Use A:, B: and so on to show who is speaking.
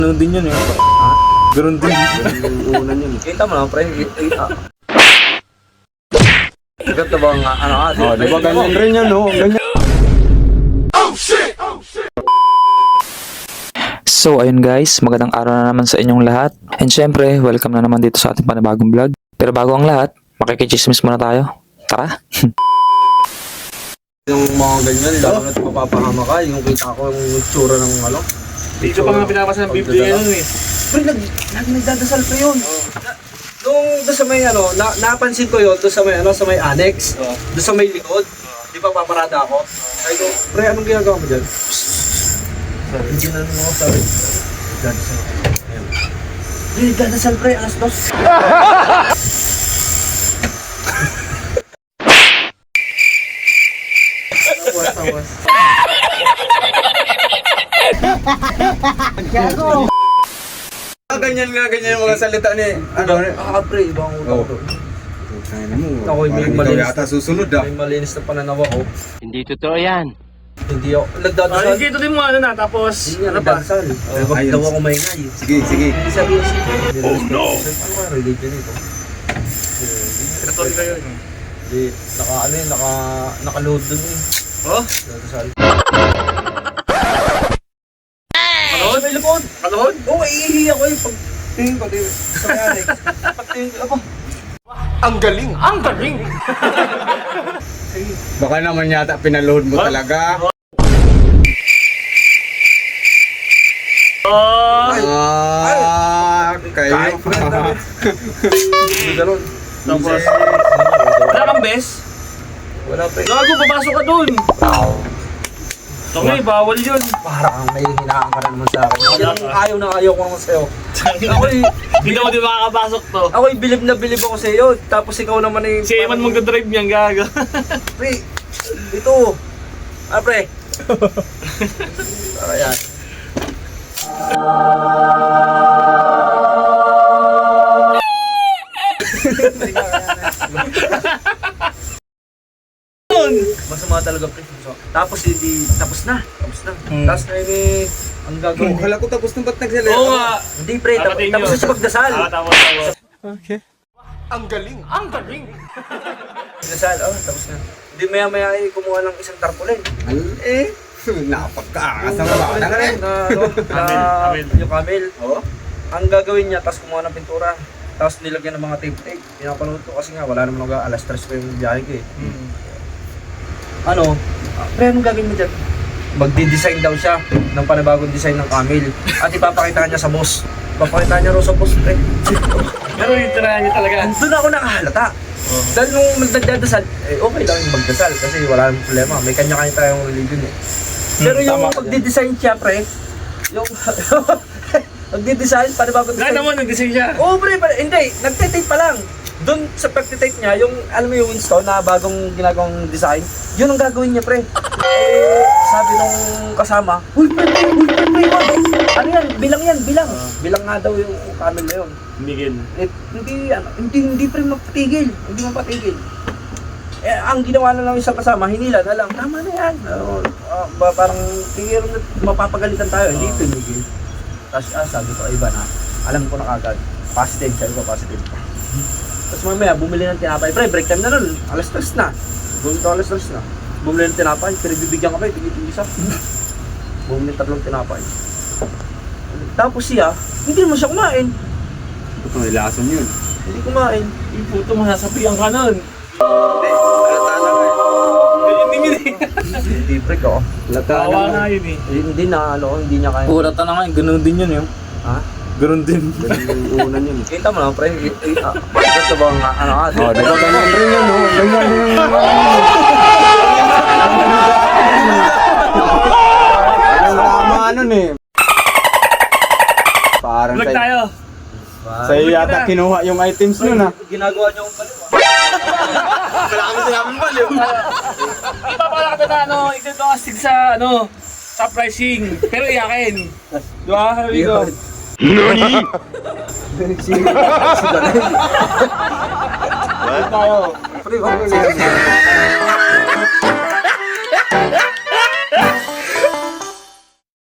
A: Ganun din yun eh.
B: Ha?
A: Ganun din.
B: Yung unan yun.
C: Kita mo lang, pre. Ganda ba nga, ano ka?
B: Oh, di ba ganyan rin yan, no? Ganyan.
D: So ayun guys, magandang araw na naman sa inyong lahat. And syempre, welcome na naman dito sa ating panibagong vlog. Pero bago ang lahat, makikichismis muna tayo. Tara!
C: Yung mga ganyan, lalo na't mapapahama ka, yung kita ko yung tsura ng ano.
A: Dito pa nga pinapasa ng Biblia yun eh.
C: Pre, nagdadasal pa yun. Nung doon sa may ano, napansin ko yun, doon sa may ano, sa may annex, doon sa may likod. Di ba paparada ako? Sabi ko, pre, anong ginagawa mo dyan? Hindi na naman ako sabi. Nagdadasal. Ayan. Pre, nagdadasal pre, alas 2. Tawas.
B: Ganyan yung mga salita ni... Ano?
C: Pre, ibang utang to.
B: Kaya mo.
C: Ako, may
B: ikaw
C: malinis.
B: yata susunod ah.
C: May malinis na pananaw ako.
E: Hindi totoo yan.
C: Hindi ako, nagdadasal.
A: Ay, dito din mo ano na, tapos
C: Hindi nga
A: ano pa?
C: nagdadasal. Wag
B: ayun.
C: daw ako maingay.
B: Sige, sige.
C: Hindi sabihin siya. Oh no! Ano ba religion ito?
A: Katolik kayo.
C: Hindi, ano yun, naka-load dun eh.
A: Oh?
C: Nagdadasal.
A: Kalood?
C: May likod!
A: Kalood?
C: Oo, iihi ako eh. Pag tingin ko, tingin. Sa may annex. Pag tingin ko, ako.
E: Ang galing! Ang galing!
B: Baka naman yata pinaload mo talaga.
A: Oh!
B: Kayo.
C: Hindi ganun.
A: Tapos, wala kang bes?
C: Wala pa eh.
A: Gago, papasok ka dun! Okay, bawal yun.
C: Parang may hinaan ka na naman sa akin. Ayaw na ayaw ko naman sa'yo. Ako'y
A: Hindi mo din makakapasok to.
C: Ako'y bilib na bilib ako sa'yo. Tapos ikaw naman eh.
A: Si Eman magdadrive niyan, gago.
C: Pre, ito. Pre. Ayan. Masama talaga pre. Tapos tapos na. Tapos na ini ang gagawin.
B: Kala ko tapos nung ba't nagsalita?
A: Oo nga.
C: Hindi pre,
A: Dapat
C: tapos na siya magdasal.
A: Tapos.
E: Ang galing! Ang galing!
C: Magdasal, tapos na. Hindi maya ay kumuha ng isang tarpaulin.
B: Napagkaangas ng bata ka rin.
A: Camel.
C: Yung camel. Ang gagawin niya, tapos kumuha ng pintura. Tapos nilagyan ng mga tape. Pinapanood ko kasi nga, wala naman alas 3 pa yung biyahe ko eh. Pre, anong gagawin mo dyan? Magdi-design daw siya ng panibagong design ng camel. At ipapakita niya sa boss. Ipapakita niya rin sa boss, pre.
A: Pero itirahan niya talaga.
C: Doon ako nakahalata. Dahil nung nagdadasal, okay lang yung magdasal kasi wala nang problema. May kanya-kanya tayong religion eh. Pero yung magdi-design siya, pre, yung magdi-design, panibagong design.
A: Nakita mo, nag-design siya.
C: Oo, pre, hindi. Nagtitape pa lang. Doon sa pagtitape niya, yung, alam mo yung Winston na bagong ginagawang design, yun ang gagawin niya, pre. Sabi nung kasama, uy, pre, ano yan, bilang. Bilang nga daw yung camel na yun.
A: Miguel.
C: Hindi pre mapatigil. Hindi mapatigil. Ang ginawa na lang isang kasama, hinila na lang. Tama na yan. Parang tigil na mapapagalitan tayo. Hindi pinigil. Tapos sabi ko, iba na. Alam ko na kagad. Positive. Sabi ko, positive. Tapos mamaya, bumili ng tinapay. Pre, break time na nun. Alas 3 na. Alas 3 na. Bumili ng tinapay. Pinagbibigyan ka pa, tigil-tigil isa. Bumili ng 3 tinapay. Tapos siya, hindi naman siya kumain.
B: Ito, ilason yun.
C: Hindi kumain.
A: Yung puto mo, nasabihan ka nun.
C: Hindi pre ko.
A: Kawa nga yun eh.
C: Hindi niya kaya.
A: Purata na nga, ganun din yun yun.
C: Ha?
A: Ganun din.
B: Yung unan yun.
C: Kita mo lang pre. Ito ba nga ano ka?
B: Oh, di ba ganyan rin yan, no? Ganyan yung... Ang tama nun eh. Parang
A: Vlog tayo.
B: sa'yo yata kinuha yung items nun ah.
C: Ginagawa niyo ang baliw.
B: Wala kami sinabing baliw.
A: Ipapala ka na ito astig sa sa pricing. Pero iyakin. Diba? Sabi ko.
E: Nani?
C: Tayo. Pre,